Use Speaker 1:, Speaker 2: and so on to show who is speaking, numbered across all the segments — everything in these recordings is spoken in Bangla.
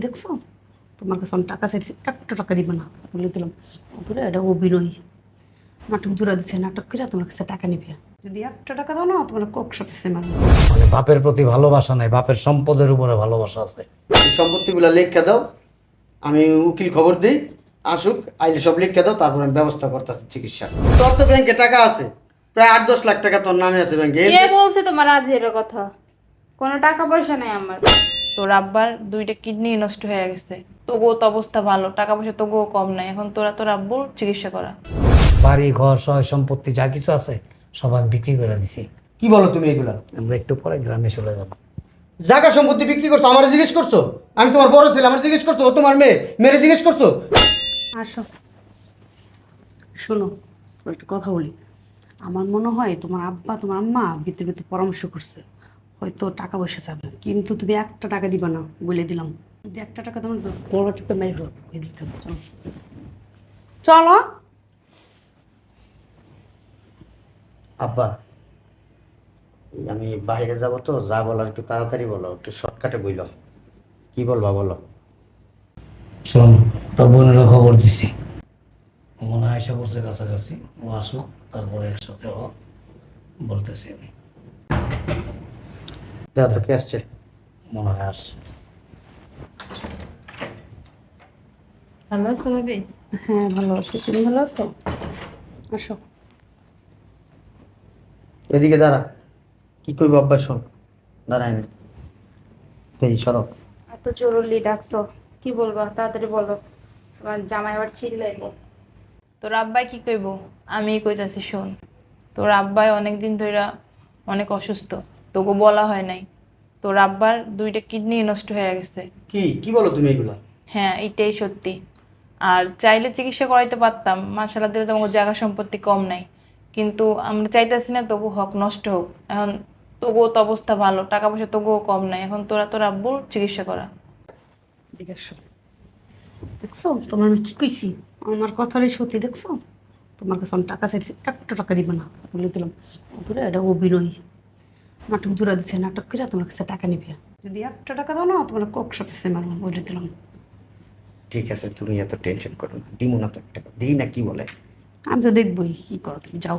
Speaker 1: দেখছো, তোমার কাছে আমি টাকা চাইছি, একটা টাকা দিবে না বলে দিলাম। বলে এটা অভিনয়, নাটক জোড়া দিচ্ছে, নাটক করে তোমার কাছে টাকা নিবে। যদি একটা টাকা দাও না, তোমার কক সফিসে মারবে।
Speaker 2: মানে বাপের প্রতি ভালোবাসা নাই, বাপের সম্পদের উপরে ভালোবাসা আছে।
Speaker 3: এই সম্পত্তিগুলো লিখে দাও, আমি উকিল খবর দিই, আসুক, আইলে সব লিখে দাও, তারপর আমি ব্যবস্থা করতেছি চিকিৎসা। তোর তো ব্যাংকে টাকা আছে, প্রায় 8-10 লাখ টাকা তোর নামে আছে ব্যাংকে।
Speaker 4: কে বলছে তোমার আজের কথা? কোনো টাকা পয়সা নাই আমার। তোর আব্বার 2টা কিডনি নষ্ট হয়ে গেছে, তবুও তো অবস্থা ভালো, টাকা পয়সা তবুও কম নাই। এখন তোরা তোর আব্বুর চিকিৎসা করা।
Speaker 2: বাড়ি ঘর সয় সম্পত্তি যা কিছু আছে সব আমি বিক্রি করে দিছি।
Speaker 3: কি বলো তুমি এগুলা?
Speaker 2: আমরা একটু পরে গ্রামে চলে যাবো।
Speaker 3: জায়গা সম্পত্তি বিক্রি করছো, আমার জিজ্ঞেস করছো? আমি তোমার বড় ছেলে, আমার জিজ্ঞেস করছো? ও তোমার মেয়ে, মেরে জিজ্ঞেস করছো?
Speaker 1: আসো, শোনো, তোমার একটা কথা বলি। আমার মনে হয় তোমার আব্বা তোমার আম্মা ভিতরে ভিতরে পরামর্শ করছে, হয়তো টাকা পয়সা চাবে, কিন্তু তুমি একটা টাকা দিবা না বলে দিলাম। যদি একটা টাকা তোমার গলা টিপে মেরে দিতাম। চলো চলো।
Speaker 3: আব্বা, আমি বাইরে যাব তো, যা বলার একটু তাড়াতাড়ি বলো, একটু শর্টকাটে বইল। কি বলবা বলো?
Speaker 2: শোন, তোর বোনেরও খবর দিছি, ও মনে হয় এসে বসে কাছাকাছি, ও আসুক তারপরে একসাথে বলতেছি আমি।
Speaker 3: দেখো তো কে আসছে।
Speaker 2: মনে হয় আসছে।
Speaker 4: ভালো আছো ভাবি?
Speaker 1: হ্যাঁ ভালো আছি, তুমি ভালো আছো? আসো।
Speaker 3: এদিকে দাঁড়া, কি কইব আব্বা শোন। দাঁড়াই না, এই সরব।
Speaker 4: এত জরুরি ডাকছো, কি বলবা তাড়াতাড়ি বলো, তোমার জামাই আবার চিল্লাইবো। তোর আব্বাই কি কইব? আমি কইতাছি শোন। তোর আব্বাই অনেকদিন ধইরা অনেক অসুস্থ, তোকে বলা হয় নাই। তোর আব্বার 2টা কিডনি নষ্ট হয়ে গেছে।
Speaker 3: কি কি বলো তুমি এগুলা?
Speaker 4: হ্যাঁ, এটাই সত্যি। আর চাইলে চিকিৎসা করাইতে পারতাম, মাশাআল্লাহ দিলে তোমাকে জায়গা সম্পত্তি কম নাই, কিন্তু আমরা চাইতেছি না তবু হক নষ্ট হোক। এখন তবুও তো অবস্থা ভালো, টাকা পয়সা তবুও কম নাই। এখন তোরা তোর আব্বুর চিকিৎসা করা।
Speaker 1: এদিকে আসো। দেখছো তোমার আমি কি কইছি, আমার কথারই সত্যি। দেখছো, তোমার কাছে আমি টাকা চাইছি, একটা টাকা দিবে না বলে দিলাম। বলে এটা অভিনয়, নাটক জোড়া দিচ্ছে, নাটক করে তোমার কাছে টাকা নিবে। যদি একটা টাকা দাও না, তোমার কক সফিসে মারবো বলে দিলাম।
Speaker 3: ঠিক আছে, তুমি এত টেনশন করো না, দিমু না তো একটা, দিই না কি বলে।
Speaker 1: আমি তো দেখবোই, কি করো তুমি, যাও।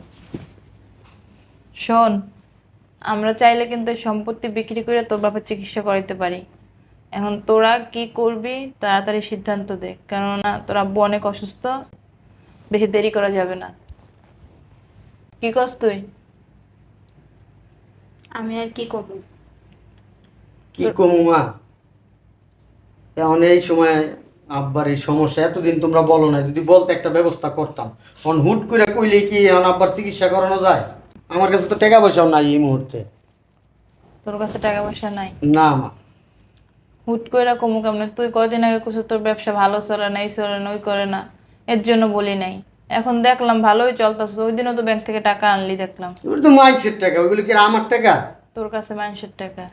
Speaker 4: শোন, আমরা চাইলে কিন্তু এই সম্পত্তি বিক্রি করে তোর বাবার চিকিৎসা করাইতে পারি। এখন তোরা কি করবি তাড়াতাড়ি সিদ্ধান্ত দে, কেননা তোর আব্বু অনেক অসুস্থ, বেশি দেরি করা যাবে না। কি করছ তুই?
Speaker 5: আমি আর কি করব?
Speaker 3: কি কমু মা, এখন এই সময় আব্বার এই সমস্যা, এতদিন তোমরা বলো না, যদি বলতে একটা ব্যবস্থা করতাম। এখন হুট করে কইলে কি এখন আব্বার চিকিৎসা করানো যায়? আমার কাছে তো টাকা পয়সাও নাই এই মুহূর্তে।
Speaker 4: তোর কাছে টাকা পয়সা নাই?
Speaker 3: না মা।
Speaker 4: হুট কইরা কমু কেমনে? তুই কয়দিন আগে কইছিস তোর ব্যবসা ভালো চলে না, এই চলে না, ওই করে না, এর জন্য বলি নাই। এখন দেখলাম ভালোই চলতেছে, ওই দিনও তো ব্যাংক থেকে টাকা আনলি দেখলাম।
Speaker 3: ওগুলো তো মাইন্সের টাকা, ওইগুলো কি আর আমার টাকা?
Speaker 4: তোর কাছে মানুষের টাকা।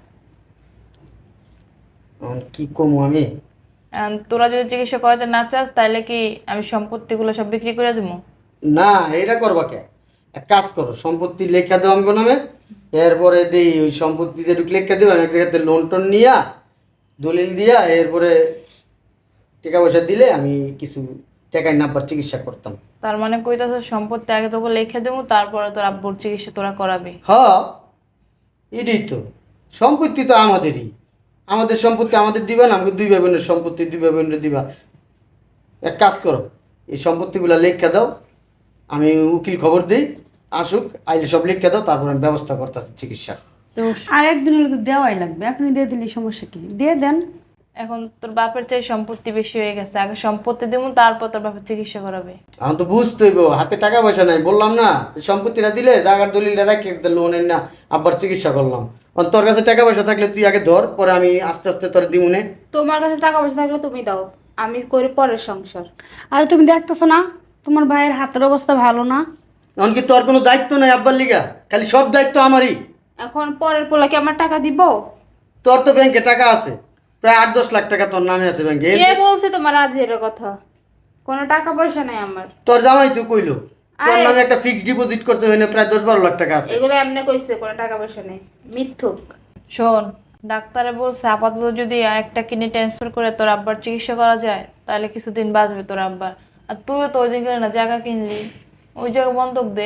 Speaker 3: এখন কি কমু আমি?
Speaker 4: এখন তোরা যদি চিকিৎসা করাতে না চাস, তাহলে কি আমি সম্পত্তিগুলো সব বিক্রি করে দেবো?
Speaker 3: না, এটা করবা কে? এক কাজ করো, সম্পত্তি লেখা দাও আমগো নামে, এরপরে দেই ওই সম্পত্তি যেটুকু লেখা দেবো, আমি এক জায়গাতে লোন টোন নিয়া, দলিল দিয়া, এরপরে টাকা পয়সা দিলে আমি কিছু টাকায় না আব্বার চিকিৎসা করতাম।
Speaker 4: তার মানে কইতাছ সম্পত্তি আগে তোকে লিখে দেবো, তারপরে তোর আব্বুর চিকিৎসা তোরা করাবি?
Speaker 3: হ, এটাই তো, সম্পত্তি তো আমাদেরই, আমাদের সম্পত্তি আমাদের দিবা না, আমাকে 2 ভাই বোনের সম্পত্তি 2 ভাই বোনের দিবা। এক কাজ করো, এই সম্পত্তিগুলো লেখা দাও, আমি উকিল খবর দিই, আসুক, আইলে সব লেখা দাও, তারপর আমি ব্যবস্থা করতেছি চিকিৎসা।
Speaker 4: তো
Speaker 1: আর একদিন হলে তো দেওয়াই লাগবে, এখনই দিয়ে দিলে সমস্যা কি, দিয়ে দেন।
Speaker 4: এখন তোর বাপের চাই সম্পত্তি বেশি হয়ে গেছে, আগে সম্পত্তি দেবো, তারপর তোর বাপের চিকিৎসা করাবে।
Speaker 3: এখন তো বুঝতে হইব, হাতে টাকা পয়সা নাই, বললাম না, এই সম্পত্তিটা দিলে জায়গার দলিলটা রাখি, লোনের না আব্বার চিকিৎসা করলাম। এখন তোর কাছে টাকা পয়সা থাকলে তুই আগে ধর, পরে আমি আস্তে আস্তে তোর দিমুনে।
Speaker 5: তোমার কাছে টাকা পয়সা থাকলে তুমি দাও, আমি করি পরের সংসার।
Speaker 1: আর তুমি দেখতেছো না তোমার ভাইয়ের হাতের অবস্থা ভালো না?
Speaker 3: এখন কি তোর কোনো দায়িত্ব নাই আব্বার লিগা? খালি সব দায়িত্ব আমারই।
Speaker 5: এখন পরের পোলাকে আমার টাকা দিব?
Speaker 3: তোর তো ব্যাংকে টাকা আছে, প্রায় 8-10 লাখ টাকা তোর নামে আছে ব্যাংকে।
Speaker 5: কে বলছে তোমার আজের কথা? কোনো টাকা পয়সা নাই আমার।
Speaker 3: তোর জামাই তো কইলো তোর
Speaker 5: আরে-
Speaker 3: নামে একটা ফিক্সড ডিপোজিট করছে, ওখানে প্রায় 10-12 লাখ টাকা আছে।
Speaker 5: এগুলো এমনি কইছে কোনো টাকা পয়সা নেই, মিথ্যুক।
Speaker 4: শোন, ডাক্তারে বলছে আপাতত যদি একটা কিডনি ট্রান্সফার করে তোর আব্বার চিকিৎসা করা যায় তাহলে কিছুদিন বাঁচবে তোর আব্বার। আর তুইও তো ওই দিন করে না জায়গা কিনলি, ওই জায়গা বন্ধক দে।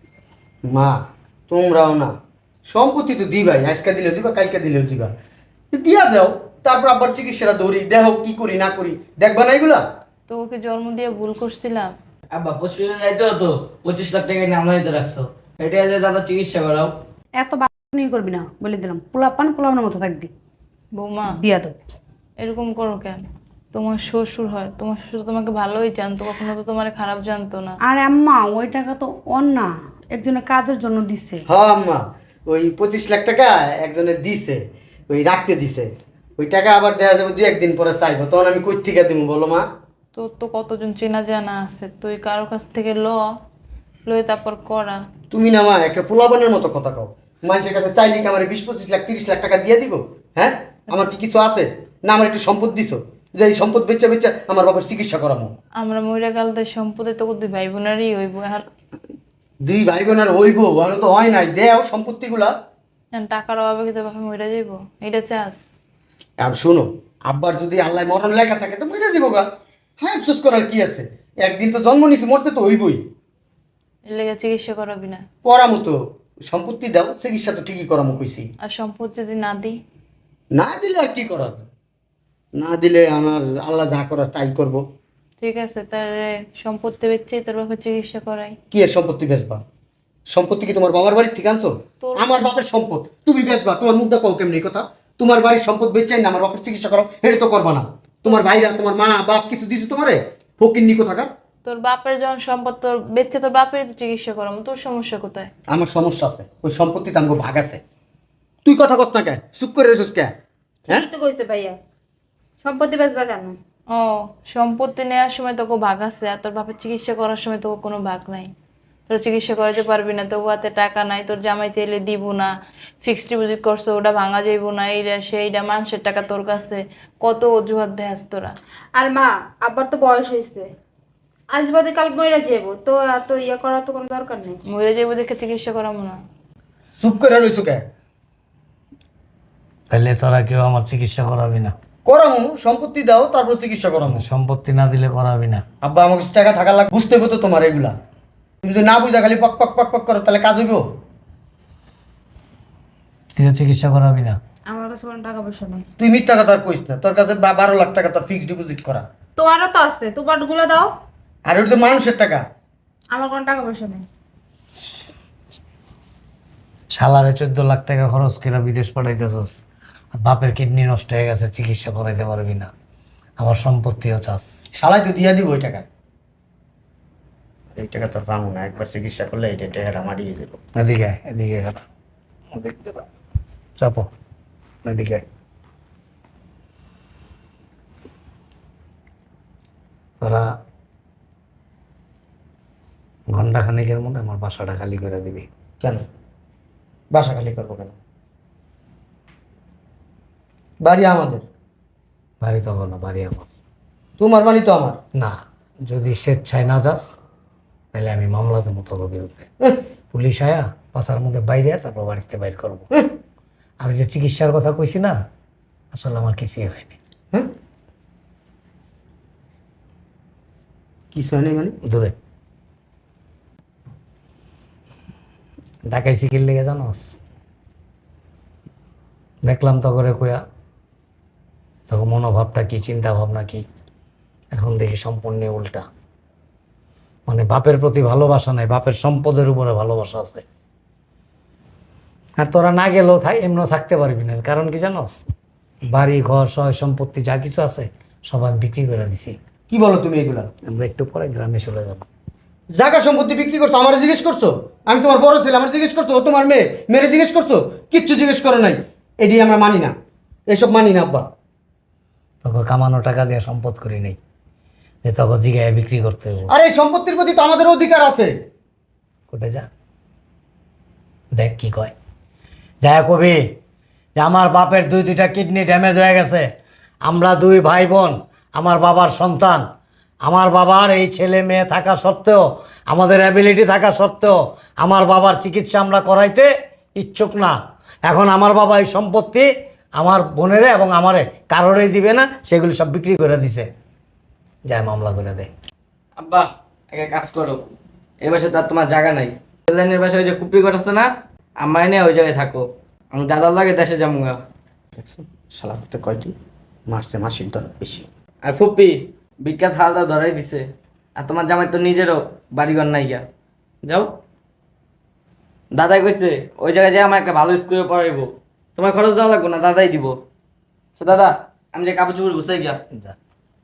Speaker 3: মা তোমরাও না, সম্পত্তি তো দিবাই, আজকে দিলেও দিবা, কালকে দিলেও দিবা, দিয়া দাও। তারপর আবার চিকিৎসাটা ধরি, দেহ কি করি না করি, দেখবা না এগুলা?
Speaker 4: তো ওকে জন্ম দিয়ে ভুল করছিলাম।
Speaker 6: আব্বা পরশুদিন রাইতে তো 25 লাখ টাকা নিয়ে আমরা নিতে রাখছো, এটা যে দাদা চিকিৎসা করাও।
Speaker 1: এত বানি করবি না বলে দিলাম, পোলাপানের মতো থাকবি।
Speaker 4: বৌমা
Speaker 1: বিয়া তো
Speaker 4: এরকম করো কেন? তোমার শ্বশুর হয়, তোমার শ্বশুর তোমাকে ভালোই জানতো, কখনো তো তোমার খারাপ জানতো না।
Speaker 1: আর আম্মা ওই টাকা তো ওর না, একজনের কাজের জন্য দিছে।
Speaker 3: হ্যাঁ আম্মা, ওই 25 লাখ টাকা একজনে দিছে, ওই রাখতে দিছে। ওই টাকা আবার দেখা যাবে 2-1 দিন পরে চাইবো, তখন আমি কই থেকে দিব বলো মা?
Speaker 4: তোর তো কতজন চেনা জানা আছে, তুই কারোর কাছ থেকে লয়ে তারপর করা।
Speaker 3: তুমি না মা একটা পোলাপানের মতো কথা কও। মানুষের কাছে চাইলে কি আমার 20-25 লাখ 30 লাখ টাকা দিয়ে দিব? হ্যাঁ, আমার কি কিছু আছে? না আমার একটু সম্পদ দিছো, যে এই সম্পদ বেচা বেচা আমার বাবার চিকিৎসা করামো।
Speaker 4: আমরা মহিলা গালদের সম্পদে তো দুই ভাই বোনেরই হইব। এখন
Speaker 3: 2 ভাই বোনের হইব, আমি তো হয় নাই, দেও সম্পত্তিগুলা।
Speaker 4: এখন টাকার অভাবে কি তোর বাপে মহিলা যাইব? এটা চাস?
Speaker 3: আর শোনো, আব্বার যদি আল্লাহ মরণ লেখা থাকে তো মরে দিব গা। হ্যাঁ, আফসোস করার কি আছে? একদিন তো জন্ম নিছি, মরতে তো হইবই।
Speaker 4: এর লেগে চিকিৎসা করাবি না?
Speaker 3: করামো তো, সম্পত্তি দাও, চিকিৎসা তো ঠিকই করামো কইছি।
Speaker 4: আর সম্পদ যদি না দিই?
Speaker 3: না দিলে আর কি করার? না দিলে আমার আল্লাহ যা করার তাই করব।
Speaker 4: ঠিক আছে, তাহলে সম্পত্তি বেচে তোর বাপের চিকিৎসা করাই।
Speaker 3: কি এর সম্পত্তি বেচবা? সম্পত্তি কি তোমার বাবার বাড়ির থেকে আনছো?
Speaker 4: তোর-
Speaker 3: আমার বাপের সম্পদ তুমি বেচবা? তোমার মুখ দেখো কেমনি এই কথা? তোমার বাড়ির সম্পদ বেচাই না আমার বাপের চিকিৎসা করো, এটা তো করবা না। তোমার ভাইরা, তোমার মা বাপ কিছু দিছে তোমারে? ফকিন্নি কোথাকার।
Speaker 4: তোর বাপের যখন সম্পদ তোর বেচে তোর বাপের তো চিকিৎসা করাবো, তোর সমস্যা কোথায়?
Speaker 3: আমার সমস্যা আছে, ওই সম্পত্তিতে আমাকে ভাগ আছে। তুই কথা কস না কে? চুপ করে রেছিস কে? হ্যাঁ,
Speaker 5: কি তো কইছে ভাইয়া, সম্পত্তি বেচবা কেন?
Speaker 4: ও, সম্পত্তি নেওয়ার সময় তোকে ভাগ আছে, আর তোর বাপের চিকিৎসা করার সময় তোকে কোনো ভাগ নাই। তোর চিকিৎসা করাতে পারবি না, তোর হাতে টাকা নাই, তোর জামাই চাইলে দিব না, ফিক্সড ডিপোজিট করছো ওটা ভাঙা যাইব না, এইটা সেইটা, মানুষের টাকা তোর কাছে, কত অজুহাত দেখাস তোরা।
Speaker 5: আর মা, আব্বার তো বয়স হয়েছে, আজ বাদে কাল মইরা যাবো, তো এত ইয়ে করার তো কোনো দরকার নেই।
Speaker 4: মরে যাইব দেখে চিকিৎসা করাবো না?
Speaker 3: চুপ করে রইছো কে?
Speaker 2: তাহলে তোরা কেউ আমার চিকিৎসা করাবি না?
Speaker 3: করামু, সম্পত্তি দাও তারপর চিকিৎসা করামু।
Speaker 2: সম্পত্তি না দিলে করাবি না?
Speaker 3: আব্বা আমার কাছে টাকা থাকা লাগবে, বুঝতে হইব তো তোমার এগুলা। তুমি যদি না বুঝা খালি পক পক পক পক করো তাহলে কাজ হইব?
Speaker 2: তুই চিকিৎসা করাবি না?
Speaker 5: আমার কাছে কোনো টাকা পয়সা নেই।
Speaker 3: তুই মিথ্যা কথা আর কইস না, তোর কাছে 12 লাখ টাকা তোর ফিক্সড ডিপোজিট করা,
Speaker 5: তোমারও তো আছে, তোমার গুলো দাও।
Speaker 3: আর ওটা তো মানুষের টাকা।
Speaker 5: আমার কোনো টাকা পয়সা নেই।
Speaker 2: শালারে 14 লাখ টাকা খরচ করে বিদেশ পাঠাইতেছস, আর বাপের কিডনি নষ্ট হয়ে গেছে, চিকিৎসা করাইতে পারবি না, আমার সম্পত্তিও চাস।
Speaker 3: শালাই তো দিয়া দিব ওই টাকা। এই টাকা তোর পাবো না, একবার চিকিৎসা করলে এই টাকাটা মারিয়ে যাবো।
Speaker 2: এদিকে আয়, এদিকে কথা চাপো, এদিকে আয়। তোরা ঘন্টা খানিকের মধ্যে আমার বাসাটা খালি করে দিবি।
Speaker 3: কেন বাসা খালি করবো কেন? বাড়ি আমাদের।
Speaker 2: বাড়ি তখন না, বাড়ি আমার।
Speaker 3: তোমার বাড়ি তো আমার।
Speaker 2: না, যদি স্বেচ্ছায় না যাস তাহলে আমি মামলা দেবো তোর বিরুদ্ধে। পুলিশ আয়া বাসার মধ্যে বাইরে তারপর বাড়িতে বাইর করবো। আর যে চিকিৎসার কথা কইছি না, আসলে আমার কিছুই হয়নি।
Speaker 3: হ্যাঁ, কিছু হয় নাই মানে?
Speaker 2: দূরে ঢাকায় শিখির লেগে জানোস, দেখলাম তো করে কইয়া, তখন মনোভাবটা কি, চিন্তা ভাবনা কি, এখন দেখি সম্পূর্ণ উল্টা। মানে বাপের প্রতি ভালোবাসা নাই, বাপের সম্পদের উপরে ভালোবাসা আছে। আর তোরা না গেলেও এমনও থাকতে পারবি না, কারণ কি জানোস, বাড়ি ঘর সয় সম্পত্তি যা কিছু আছে সব আমি বিক্রি করে দিছি।
Speaker 3: কি বলো তুমি এগুলা?
Speaker 2: আমরা একটু পরে গ্রামে চলে যাবো।
Speaker 3: জায়গা সম্পত্তি বিক্রি করছো, আমার জিজ্ঞেস করছো? আমি তোমার বড় ছেলে, আমার জিজ্ঞেস করছো? ও তোমার মেয়ে, মেরে জিজ্ঞেস করছো? কিচ্ছু জিজ্ঞেস করো নাই। এটি আমরা মানি না, এসব মানি না আব্বা।
Speaker 2: তোকে কামানো টাকা দিয়ে সম্পদ করি নাই যে তোকে জিগায় বিক্রি করতে হবে।
Speaker 3: আর এই সম্পত্তির প্রতি তো আমাদের অধিকার আছে।
Speaker 2: কোটে যা, দেখ কি কয়। যা কবি যে আমার বাপের দুইটা কিডনি ড্যামেজ হয়ে গেছে, আমরা 2 ভাই বোন, আমার বাবার সন্তান, আমার বাবার এই ছেলে মেয়ে থাকা সত্ত্বেও, আমাদের অ্যাবিলিটি থাকা সত্ত্বেও আমার বাবার চিকিৎসা আমরা করাইতে ইচ্ছুক না। এখন আমার বাবা এই সম্পত্তি আমার বোনেরে এবং আমারে কারোরই দিবে না, সেগুলি সব বিক্রি করে দিছে। যায় মামলা করে দে।
Speaker 6: আব্বা একটা কাজ করো, এই বাসে তো আর তোমার জায়গা নাই। লাইনের বাসায় ওই যে কুপি ঘর আছে না, আমার নিয়ে ওই জায়গায় থাকো। আমি দাদার লাগে দেশে যাবো।
Speaker 3: দেখছো শালা করতে কয় কি মারছে, মাসির দর বেশি।
Speaker 6: আর ফুপি বিখ্যাত হালদা ধরাই দিছে। আর তোমার জামাই তো নিজেরও বাড়িঘর নাই গা। যাও, দাদাই কইছে ওই জায়গায় যাই আমার একটা ভালো স্কুলে পড়াইবো, তোমার খরচ দেওয়া লাগবে না, দাদাই দিব। তো দাদা আমি যে কাপড় চোপড় গুছাই গিয়া।
Speaker 2: যা।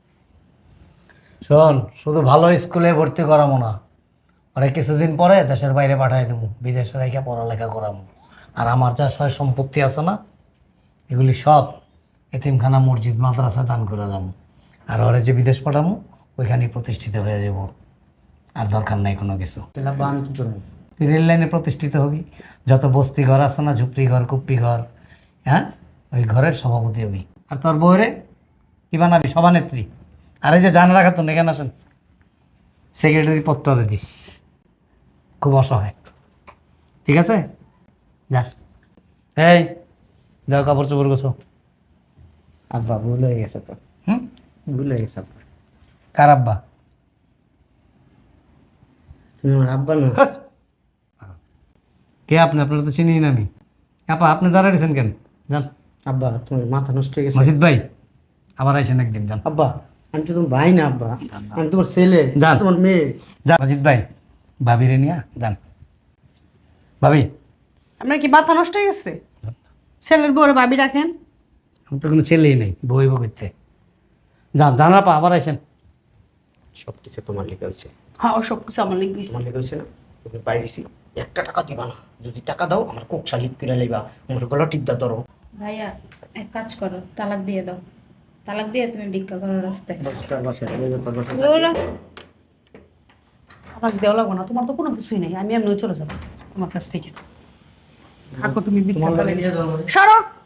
Speaker 2: শোন, শুধু ভালো স্কুলে ভর্তি করামো না, অনেক কিছুদিন পরে দেশের বাইরে পাঠাই দেবো, বিদেশে রেখে পড়ালেখা করামো। আর আমার যা সয় সম্পত্তি আছে না, এগুলি সব এতিমখানা, মসজিদ, মাদ্রাসা দান করে যাবো। আর ওরা যে বিদেশ পাঠামো ওইখানেই প্রতিষ্ঠিত হয়ে যাব। আর দরকার নাই কোনো কিছু।
Speaker 3: তাহলে আব্বা আমি কি করবো?
Speaker 2: তুই রেল লাইনে প্রতিষ্ঠিত হবি, যত বস্তি ঘর আছে না, ঝুপড়ি ঘর, কুপ্পি ঘর, হ্যাঁ, ওই ঘরের সভাপতি হবি। আর তোর বউরে কি বানাবি? সভানেত্রী। আর এই যে জানা রাখা তো এখানে আসেন, সেক্রেটারি পত্রে দিস, খুব অসহায়। ঠিক আছে, যা। এই যাও, কাপড় চোপড় গোছো।
Speaker 3: আব্বা ভুল হয়ে গেছে তো,
Speaker 2: হুম,
Speaker 3: ভুল হয়ে গেছে আব্বা।
Speaker 2: কার আব্বা?
Speaker 3: তুমি আমার আব্বা না।
Speaker 2: কে আপনি? আপনার তো চিনি না আমি। আপা আপনি দাঁড়াইছেন কেন? যান।
Speaker 3: আব্বা তোমার মাথা নষ্ট হয়ে গেছে।
Speaker 2: মজিদ ভাই আবার আইসেন একদিন, যান।
Speaker 3: আব্বা আমি তো তোমার ভাই না আব্বা, আমি তোমার ছেলে,
Speaker 2: যান।
Speaker 3: তোমার মেয়ে।
Speaker 2: যা মজিদ ভাই, ভাবিরে নিয়ে যান। ভাবি,
Speaker 1: আপনার কি মাথা নষ্ট হয়ে গেছে? ছেলের বউরে ভাবি রাখেন।
Speaker 2: আমি তো কোনো ছেলেই নেই, বই করতে। যান, যান আপা, আবার আইসেন।
Speaker 3: সব কিছু তোমার লেগে হয়েছে,
Speaker 1: হ্যাঁ, ও সব কিছু আমার লিখে
Speaker 3: তোমার লেগে হয়েছে না। তুমি বাইরে গেছি, একটা টাকা দিবা না। যদি টাকা দাও আমার কোক শালিক করে লাইবা, আমার গলা টিপদা ধরো।
Speaker 5: ভাইয়া এক কাজ করো, তালাক দিয়ে দাও। তালাক দিয়ে তুমি ভিক্ষা করার রাস্তায়।
Speaker 1: আমার দেওয়া লাগবো না, তোমার তো কোনো কিছুই নেই। আমি এমনি চলে যাবো তোমার কাছ থেকে। থাকো তুমি বিক্রি
Speaker 3: তোমার
Speaker 1: করে।
Speaker 3: লাগে নিয়ে যাবো।
Speaker 1: সরো।